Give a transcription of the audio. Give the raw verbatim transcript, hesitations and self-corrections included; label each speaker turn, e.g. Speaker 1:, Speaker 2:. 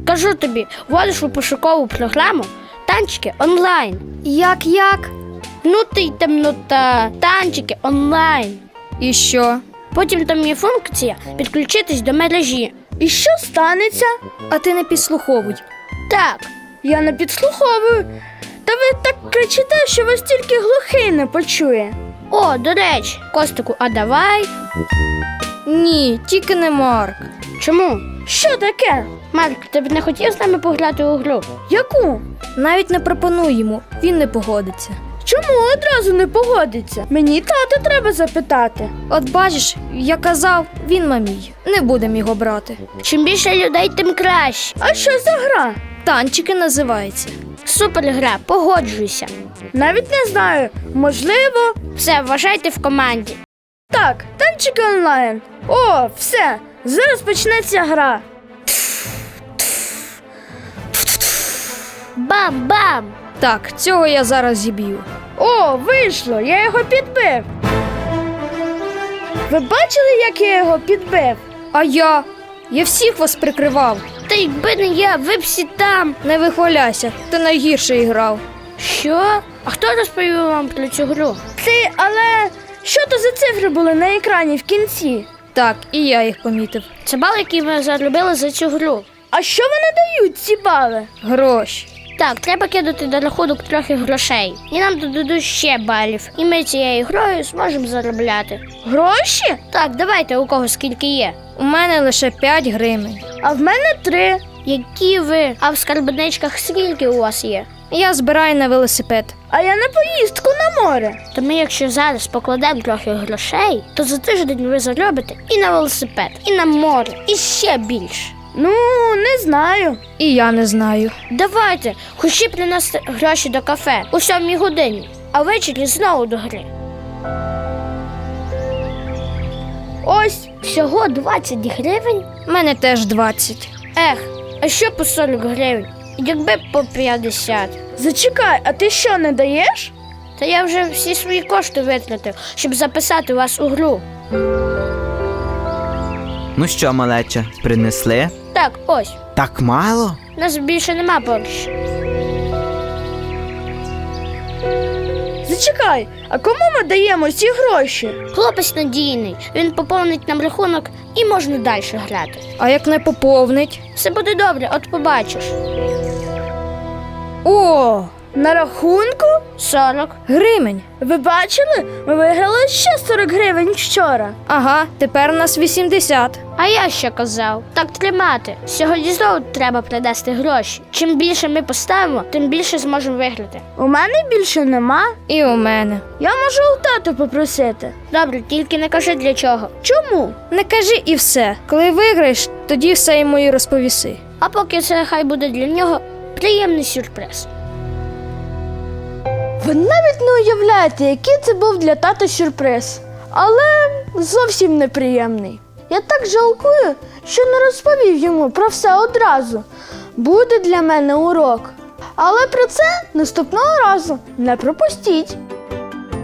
Speaker 1: Кажу тобі, вводиш у пошукову програму танчики онлайн.
Speaker 2: Як-як?
Speaker 1: Ну ти й темнота, танчики онлайн.
Speaker 2: І що?
Speaker 1: Потім там є функція підключитись до мережі.
Speaker 3: І що станеться?
Speaker 2: А ти не підслуховуй.
Speaker 1: Так,
Speaker 3: Я не підслуховую. Та ви так кричите, що вас тільки глухий не почує.
Speaker 1: о, до речі, Костику, а давай.
Speaker 2: Ні, тільки не Марк.
Speaker 1: Чому?
Speaker 3: Що таке?
Speaker 1: Марк, ти б не хотів з нами пограти у гру?
Speaker 3: Яку?
Speaker 2: Навіть не пропонуй йому, він не погодиться.
Speaker 3: Чому одразу не погодиться? Мені тата треба запитати.
Speaker 2: От бачиш, я казав, він мамій. Не будемо його брати.
Speaker 1: Чим більше людей, тим краще.
Speaker 3: А що за гра?
Speaker 2: Танчики називається.
Speaker 1: Супер гра, погоджуйся.
Speaker 3: Навіть не знаю. Можливо.
Speaker 1: Все, вважайте в команді.
Speaker 3: Так, танчики онлайн. О, все. Зараз почнеться гра.
Speaker 1: Бам-бам!
Speaker 2: Так, цього я зараз зіб'ю.
Speaker 3: О, вийшло, я його підбив. Ви бачили, як я його підбив?
Speaker 2: А я? Я всіх вас прикривав.
Speaker 1: Та якби не я, ви б всі там.
Speaker 2: Не вихваляйся, ти найгірше грав.
Speaker 1: Що? А хто розповів вам про цю гру?
Speaker 3: Ти, але що то за цифри були на екрані в кінці?
Speaker 2: Так, і я їх помітив.
Speaker 1: Це бал, який ми заробили за цю гру.
Speaker 3: А що вони дають, ці бали?
Speaker 2: Гроші.
Speaker 1: Так, треба кидати до рахунок трохи грошей. І нам додадуть ще балів. І ми цією грою зможемо заробляти.
Speaker 3: Гроші?
Speaker 1: Так, давайте, у кого скільки є.
Speaker 2: У мене лише п'ять гривень.
Speaker 3: А в мене три.
Speaker 1: Які ви? А в скарбничках скільки у вас є?
Speaker 2: Я збираю на велосипед.
Speaker 3: А я на поїздку на море.
Speaker 1: То ми, якщо зараз покладемо трохи грошей, то за тиждень ви заробите і на велосипед, і на море, і ще більше.
Speaker 3: Ну, не знаю.
Speaker 2: І я не знаю.
Speaker 1: Давайте, хочі принести гроші до кафе у сьомій годині, а ввечері знову до гри.
Speaker 3: Ось.
Speaker 1: Всього двадцять гривень?
Speaker 2: У мене теж двадцять.
Speaker 1: Ех, а що по сорок гривень? Якби по п'ятдесят.
Speaker 3: Зачекай, а ти що, не даєш?
Speaker 1: Та я вже всі свої кошти витратив, щоб записати вас у гру.
Speaker 4: Ну що, малеча, принесли?
Speaker 1: Так, ось,
Speaker 4: Так мало?
Speaker 1: нас більше нема поруч.
Speaker 3: Зачекай, а кому ми даємо ці гроші?
Speaker 1: Хлопець надійний, він поповнить нам рахунок і можна далі грати.
Speaker 2: А як не поповнить?
Speaker 1: Все буде добре, от побачиш.
Speaker 3: О, на рахунку?
Speaker 1: сорок.
Speaker 2: Гривень.
Speaker 3: Ви бачили? Ми виграли ще сорок гривень вчора.
Speaker 2: Ага, тепер у нас вісімдесят.
Speaker 1: А я що казав? Так тримати. Сьогодні знову треба принести гроші. Чим більше ми поставимо, тим більше зможемо виграти.
Speaker 3: У мене більше нема.
Speaker 2: І у мене.
Speaker 3: Я можу у тата попросити.
Speaker 1: Добре, тільки не кажи для чого.
Speaker 3: Чому?
Speaker 2: Не кажи і все. Коли виграєш, тоді все йому і розповіси.
Speaker 1: А поки це хай буде для нього приємний сюрприз.
Speaker 3: Ви навіть не уявляєте, який це був для тата сюрприз. Але зовсім неприємний. Я так жалкую, що не розповів йому про все одразу. Буде для мене урок. Але про це наступного разу не пропустіть.